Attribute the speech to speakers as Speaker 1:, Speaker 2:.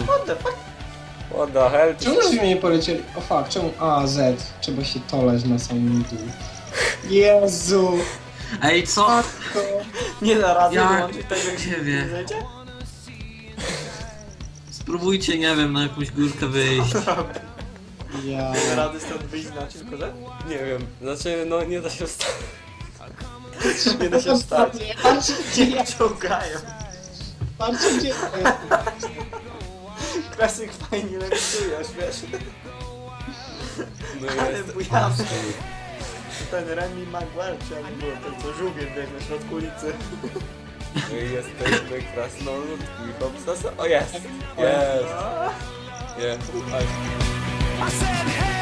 Speaker 1: What the fuck?
Speaker 2: What the hell?
Speaker 3: Czemu żeśmy nie polecieli? O fuck, czemu A, Z? Trzeba się toleć na samym dół. Jezu!
Speaker 4: Ej, co?
Speaker 3: Matko!
Speaker 1: Nie da rady
Speaker 4: Ja
Speaker 1: wyłączyć tego, jak
Speaker 4: ciebie.
Speaker 1: nie zejdzie?
Speaker 4: Spróbujcie, nie wiem, na jakąś górkę wyjść.
Speaker 3: Ja...
Speaker 1: Nie da rady stąd wyjść na czym kozę?
Speaker 2: Nie wiem, znaczy no nie da się wstać. Nie da się wstać.
Speaker 3: Patrzcie gdzie ja...
Speaker 1: Ciągają.
Speaker 3: Patrzcie gdzie ja...
Speaker 1: Klasyk fajnie lewitujesz, wiesz?
Speaker 2: No
Speaker 1: Ale
Speaker 2: jest.
Speaker 1: bujawski. Ten Remy Maguire, czy jak było ten co żółwiem, wiesz, na środku ulicy.
Speaker 2: No i jesteśmy krasnoludki. Hopsasa. O jest! Jest! Jest!
Speaker 5: I said, hey.